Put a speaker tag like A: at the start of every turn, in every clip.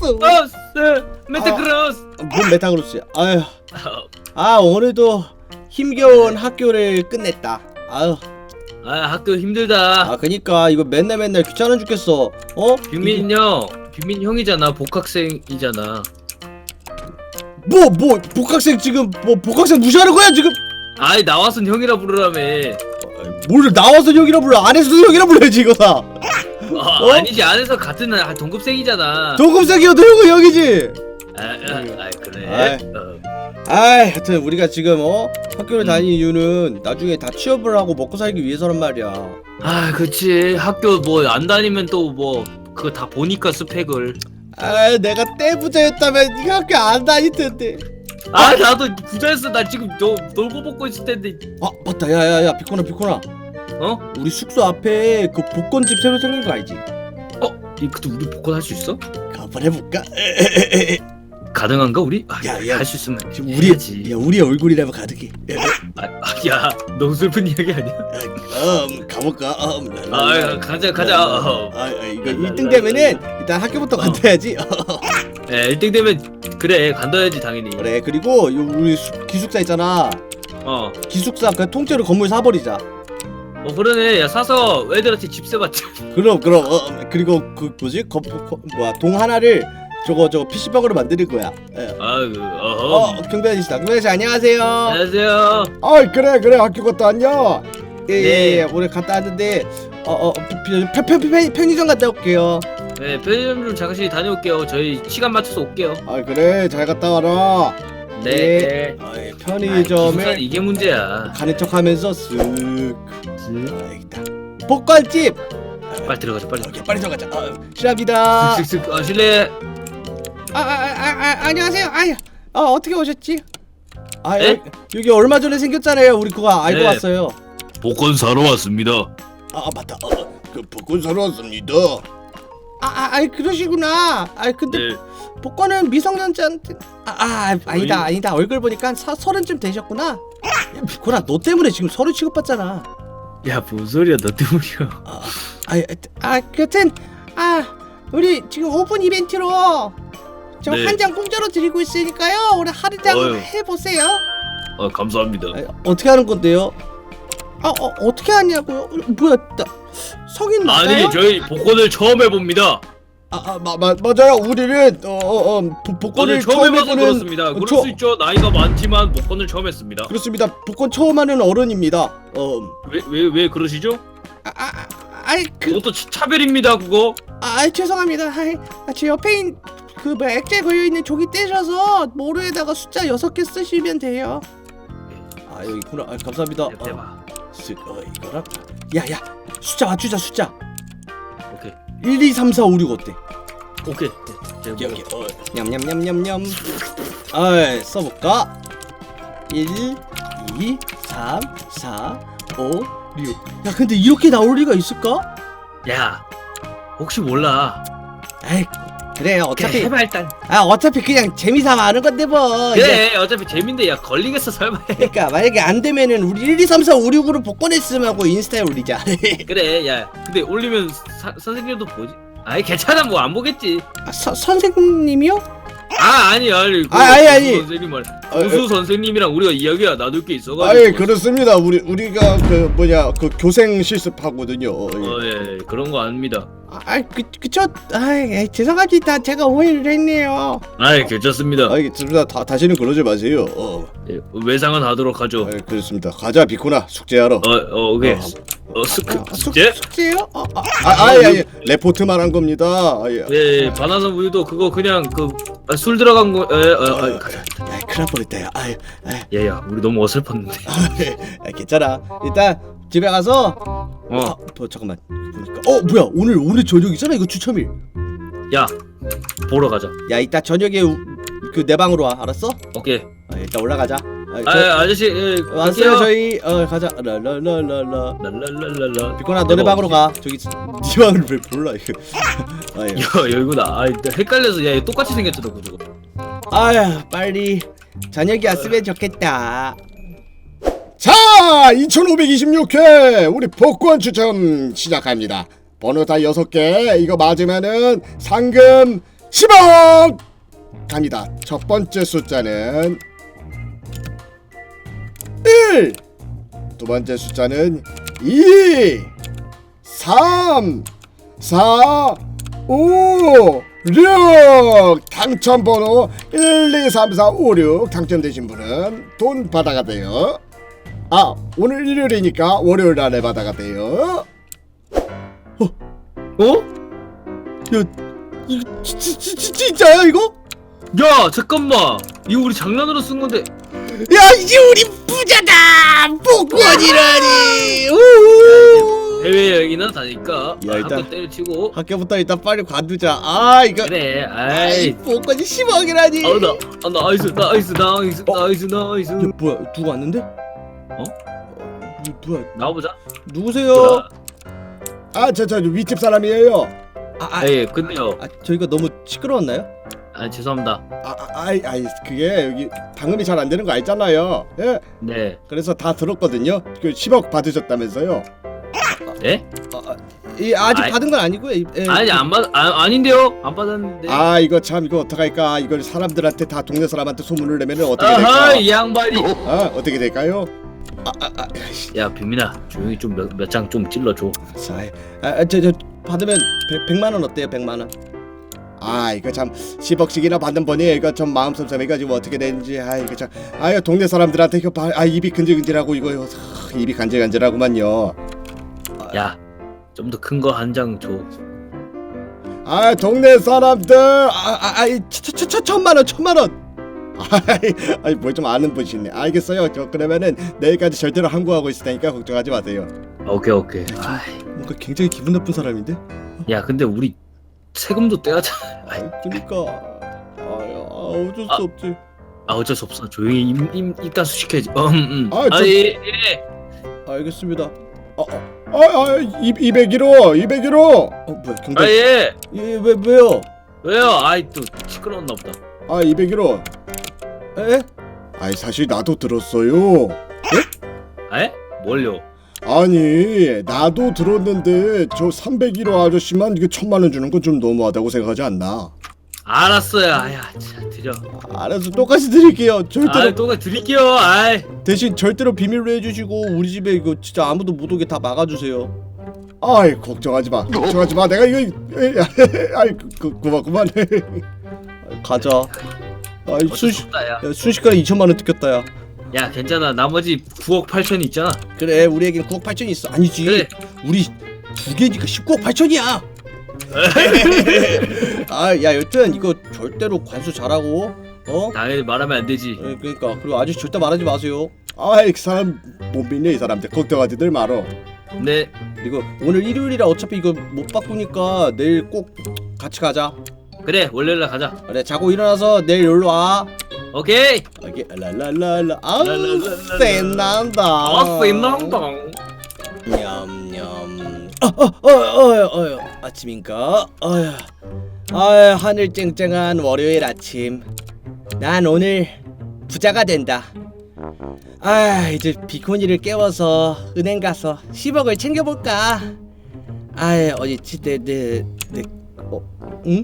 A: 메타크로스.
B: 뭔 메타그로스야. 아유. 오늘도 힘겨운 학교를 끝냈다. 아유.
A: 학교 힘들다.
B: 그니까 이거 맨날 귀찮아 죽겠어.
A: 뷰민 형이잖아. 복학생이잖아.
B: 뭐 복학생 지금 복학생 무시하는 거야 지금?
A: 나와선 형이라 부르라며.
B: 뭘 나와서 형이라 불러? 안에서도 형이라 불러야지 이거 다.
A: 아니지, 안에서 같은 동급생이잖아.
B: 동급생이어도 형은 형이지.
A: 그래.
B: 하여튼 우리가 지금 학교를 다니는 이유는 나중에 다 취업을 하고 먹고 살기 위해서란 말이야.
A: 그치. 학교 뭐 안 다니면 또 뭐 그거 다 보니까 스펙을.
B: 내가 떼부자였다면 네가 학교 안 다닐 텐데.
A: 나도 부자였어. 나 지금 놀고 먹고 있을 텐데.
B: 맞다. 야야야 비코나. 우리 숙소 앞에 그 복권집 새로 생긴 거 알지?
A: 그때 우리 복권 할 수 있어?
B: 한번 해볼까?
A: 가능한가 우리?
B: 야,
A: 할 수 있으면 해야지.
B: 우리 얼굴이라면 가득해.
A: 야, 너무 슬픈 이야기 아니야?
B: 가볼까?
A: 가자.
B: 이거 1등 되면은 일단 학교부터 간다야지.
A: 1등 되면 그래 간다야지 당연히.
B: 그래. 그리고 우리 기숙사 있잖아. 기숙사 그 통째로 건물 사버리자.
A: 그러네. 야, 사서 애들한테 집세 받자.
B: 그럼 그리고 그 뭐지? 동 하나를 저거 PC방으로 만드는 거야. 경비 아저씨 안녕하세요.
A: 안녕하세요.
B: 그래 학교 갔다 왔냐?
A: 네.
B: 오늘 갔다 왔는데 편의점 갔다 올게요.
A: 네, 편의점 좀 잠시 다녀올게요. 저희 시간 맞춰서 올게요.
B: 그래 잘 갔다 와라.
A: 네.
B: 편의점에
A: 이게 문제야.
B: 가는 척하면서 쓱. 있다. 복권집.
A: 빨리 들어가자.
B: 빨리 들어가자. 실례합니다.
A: 쓱쓱. 실례.
B: 안녕하세요. 어떻게 오셨지?
A: 네?
B: 여기 얼마 전에 생겼잖아요. 우리 그거 알고
A: 네.
B: 왔어요.
A: 복권 사러 왔습니다.
B: 맞다. 그 복권 사러 왔습니다. 그러시구나. 근데
A: 네.
B: 복권은 미성년자한테 아니다. 얼굴 보니까 30쯤 되셨구나. 야, 비코나 너 때문에 지금 서류 취급받잖아.
A: 야, 뭔 소리야? 너 때문이야.
B: 여튼 우리 지금 오픈 이벤트로 저
A: 네.
B: 한 장 공짜로 드리고 있으니까요. 우리 하루장
A: 어휴.
B: 해보세요.
A: 감사합니다.
B: 어떻게 하는 건데요? 어떻게 하냐고요? 뭐야, 성인 맞아요?
A: 아니, 저희 복권을 처음 해봅니다.
B: 맞아요. 우리는 복권을
A: 처음
B: 처음
A: 해봐서
B: 해보는
A: 그렇습니다. 그럴 수 있죠. 나이가 많지만 복권을 처음 했습니다.
B: 그렇습니다. 복권 처음 하는 어른입니다.
A: 왜 그러시죠? 그것도 차별입니다, 그거.
B: 죄송합니다. 제 옆에 있는 액자에 걸려있는 종이 떼셔서 모루에다가 숫자 6개 쓰시면 돼요. 여기 있구나. 감사합니다. 이거랑 야야 숫자 맞추자. 숫자.
A: 오케이.
B: 1, 2, 3, 4, 5, 6 어때?
A: 오케이.
B: 여기 냠냠냠냠냠. 써볼까? 1, 2, 3, 4, 5, 6. 야, 근데 이렇게 나올 리가 있을까?
A: 야, 혹시 몰라.
B: 그래 어차피
A: 해봐 일단.
B: 어차피 그냥 재미삼아 하는 건데 뭐.
A: 그래, 어차피 재민데. 야, 걸리겠어 설마.
B: 그러니까 만약에 안 되면은 우리 1, 2, 3, 4, 5, 6으로 복권했음 하고 인스타에 올리자.
A: 그래. 야, 근데 올리면 선생님도 보지. 괜찮아. 뭐 안 보겠지.
B: 선생님이요?
A: 아니.
B: 아니.
A: 선생님 말. 교수 선생님이랑 우리가 이야기가 나눌 게 있어가지고.
B: 그렇습니다. 우리가 그 교생 실습하거든요.
A: 예, 그런 거 아닙니다.
B: 그쵸? 죄송합니다. 제가 오해를 했네요.
A: 괜찮습니다.
B: 괜찮습니다. 다시는 그러지 마세요.
A: 예, 외상은 하도록 하죠.
B: 그렇습니다. 가자 비코나 숙제하러.
A: 오케이. 숙제?
B: 숙제요? 레포트만 한 겁니다.
A: 예, 바나나 우유도 그거 그냥 술 들어간 거. 가자.
B: 큰일 날 뻔했다.
A: 야, 우리 너무 어설펐는데.
B: 괜찮아. 일단 집에 가서 잠깐만 보니까 뭐야 오늘 저녁이잖아. 이거 추첨일.
A: 야, 보러 가자.
B: 야, 이따 저녁에 내 방으로 와. 알았어?
A: 오케이.
B: 일단 올라가자.
A: 아저씨
B: 왔어요.
A: 갈게요.
B: 저희 가자. 랄랄랄랄라.
A: 랄랄랄랄라.
B: 비코나 너네 방으로 가. 저기 네 방을 왜 몰라 이거.
A: 야, 여기구나. 헷갈려서. 야, 똑같이 생겼잖아 그거.
B: 빨리 저녁이 왔으면 좋겠다.
C: 자, 2526회 우리 복권 추첨 시작합니다. 번호 다 6개. 이거 맞으면은 상금 10억 갑니다. 첫 번째 숫자는 1, 두 번째 숫자는 2, 3, 4, 5, 6. 당첨번호 1, 2, 3, 4, 5, 6 당첨되신 분은 돈 받아가 돼요. 아, 오늘 일요일이니까 월요일 날에 받아가 돼요.
A: 어?
B: 야, 이거 진짜야 이거?
A: 야 잠깐만, 이거 우리 장난으로 쓴 건데.
B: 야, 이제 우리 부자다. 복권이라니. 우후.
A: 해외 여행이나 다니까
B: 야, 일단-
A: 학교 때려치고.
B: 학교부터 일단 빨리 관두자. 아, 이거
A: 그래.
B: 아이,
A: 아이.
B: 복권이 10억이라니.
A: 나이스 나이스 나이스
B: 어?
A: 나이스 나이스.
B: 야, 뭐야? 누구 왔는데? 뭐야?
A: 나와보자.
B: 누구세요?
C: 아, 저 윗집 사람이에요.
A: 예, 근데요.
B: 저희가 너무 시끄러웠나요?
A: 아 죄송합니다.
C: 그게 여기 방음이 잘 안 되는 거 알잖아요. 예,
A: 네.
C: 그래서 다 들었거든요. 그 10억 받으셨다면서요.
A: 예?
B: 아직
A: 아이.
B: 받은 건 아니고요. 예.
A: 아니 아닌데요. 안 받았는데.
C: 아, 이거 참 이거 어떡할까? 이걸 사람들한테 다 동네 사람한테 소문을 내면은 어떻게
A: 아하,
C: 될까?
A: 이 양반이.
C: 아, 어떻게 될까요?
A: 야 빈민아, 조용히 좀 몇 장 좀 찔러줘.
B: 저 받으면 100만 원 어때요? 100만 원.
C: 아, 이거 참 10억씩이나 받는 분이 이거 좀 마음 섭섭해가지고 어떻게 되는지. 아, 이거 참, 이거 동네 사람들한테 이거 입이 근질근질하고 이거 입이 간질간질하구만요.
A: 야, 좀 더 큰 거 한 장 줘.
C: 아, 동네 사람들.
B: 천만 원.
C: 뭘 좀 아는 분이시네. 알겠어요. 저 그러면은 내일까지 절대로 항고하고 있을 테니까 걱정하지 마세요.
A: 오케이. 아이,
B: 뭔가 굉장히 기분 나쁜 사람인데?
A: 야 근데 우리 세금도 떼야잖아. 아이,
B: 그러니까 어쩔 수 없지.
A: 어쩔 수 없어. 조용히 입가수 시켜야지. 예.
B: 알겠습니다.
C: 201호.
B: 뭐야 경찰?
A: 예.
B: 왜요?
A: 왜요? 아이 또 시끄러웠나 보다.
C: 201호.
B: 에?
C: 사실 나도 들었어요.
A: 에? 뭘요?
C: 아니, 나도 들었는데 저 301호 아저씨만 이게 1,000만 원 주는 건 좀 너무하다고 생각하지 않나?
A: 알았어요. 아야, 자, 드려.
B: 알아서 똑같이 드릴게요. 절대로
A: 아이, 또 드릴게요. 아이.
B: 대신 절대로 비밀로 해주시고 우리 집에 이거 진짜 아무도 못 오게 다 막아주세요.
C: 걱정하지 마. 내가 이거 그만.
B: 가자.
A: 어쩔 수 없다, 야.
B: 순식간에 2천만 원 뜯겼다 야.
A: 야, 괜찮아. 나머지 9억 8천이 있잖아.
B: 그래 우리에겐 9억 8천이 있어. 아니지.
A: 그래.
B: 우리 두 개니까 19억 8천이야. 야 여튼 이거 절대로 관수 잘하고
A: 당연히 말하면 안 되지.
B: 그러니까 그리고 아저씨 절대 말하지 마세요.
C: 이 사람 못 믿네. 이 사람들 걱정하지들 말어.
A: 네.
B: 그리고 오늘 일요일이라 어차피 이거 못 바꾸니까 내일 꼭 같이 가자.
A: 그래, 월요일날 가자.
B: 그래 자고 일어나서 내일 놀러 와.
A: 오케이.
B: 이게 랄랄랄라
A: 랄랄랄랄라.
B: 센난다.
A: 센난다.
B: 냠냠. 아침인가? 하늘 쨍쨍한 월요일 아침. 난 오늘 부자가 된다. 이제 비코니를 깨워서 은행 가서 10억을 챙겨볼까? 어디지 응?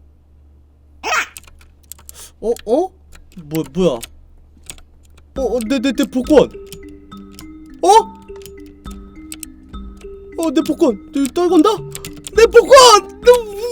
B: 뭐야? 내 복권. 내 복권. 떨건다? 내 복권.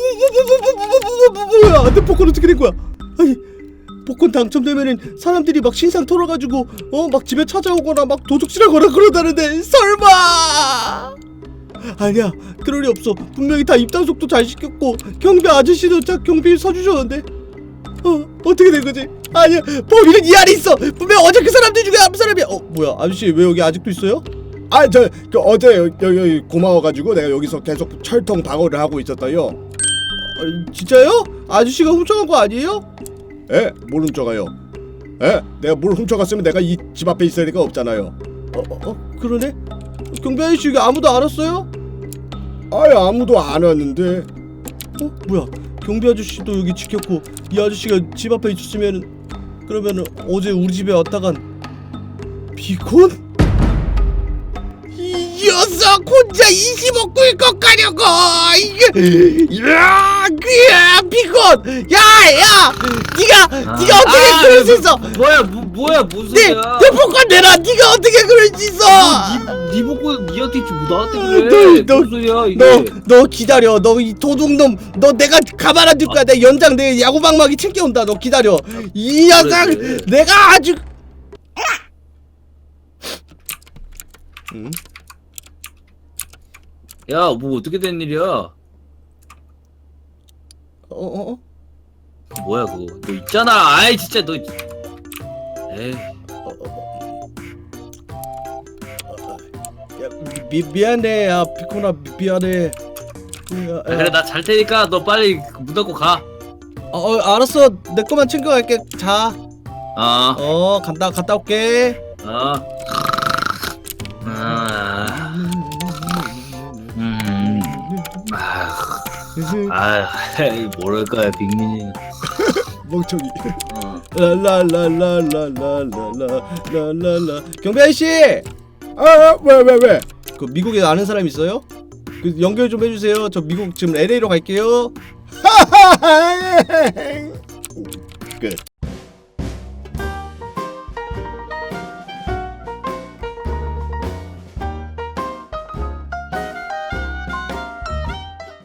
B: 뭐야? 내 복권 어떻게 된 거야? 아니, 복권 당첨되면은 사람들이 막 신상 털어가지고 막 집에 찾아오거나 막 도둑질하거나 그러다는데 설마? 아니야, 그럴 리 없어. 분명히 다 입단속도 잘 시켰고 경비 아저씨도 딱 경비 서주셨는데 어떻게 된 거지? 아니야, 범인은 이 안에 있어. 분명 어제 그 사람들 중에 한 사람이야. 뭐야, 아저씨 왜 여기 아직도 있어요?
C: 어제 여기 고마워가지고 내가 여기서 계속 철통 방어를 하고 있었어요.
B: 진짜요? 아저씨가 훔쳐간 거 아니에요?
C: 뭘 훔쳐가요? 내가 뭘 훔쳐갔으면 내가 이 집 앞에 있을 리가 없잖아요.
B: 그러네? 경비 아저씨 여기 아무도 안 왔어요?
C: 아무도 안 왔는데.
B: 뭐야, 경비 아저씨도 여기 지켰고 이 아저씨가 집 앞에 있었으면 그러면은 어제 우리 집에 왔다간 비콘? 이 녀석 혼자 20억 꿀꺽 가려고. 이게 야, 그야 비콘. 야, 네가 어떻게 그럴 수 있어?
A: 뭐야 무슨
B: 내
A: 소리야?
B: 복권 내라. 네가 어떻게 그럴 수 있어?
A: 네 복권 니한테 주고 나한테 그래. 무슨 소리야 이게?
B: 너 기다려. 너 이 도둑놈. 너 내가 가만 안 둘 거야. 내 연장 내 야구방망이 챙겨온다. 너 기다려. 이 녀석
A: 그래.
B: 내가 아주. 응?
A: 야, 뭐 어떻게 된 일이야?
B: 어?
A: 뭐야 그거? 너 있잖아. 아이 진짜 너. 에이.
B: 야, 미안해. 야, 비콘아 미안해. 야,
A: 그래 나 잘 테니까 너 빨리 문 닫고 가.
B: 알았어. 내 거만 챙겨갈게. 자.
A: 어.
B: 갔다 올게.
A: 어. 뭐랄까요 빅민이.
B: 멍청이.
A: 어.
B: 라라라라라라라라라라. 경비 아저씨.
C: 왜?
B: 그 미국에 아는 사람 있어요? 그 연결 좀 해주세요. 저 미국 지금 LA로 갈게요.
C: 끝.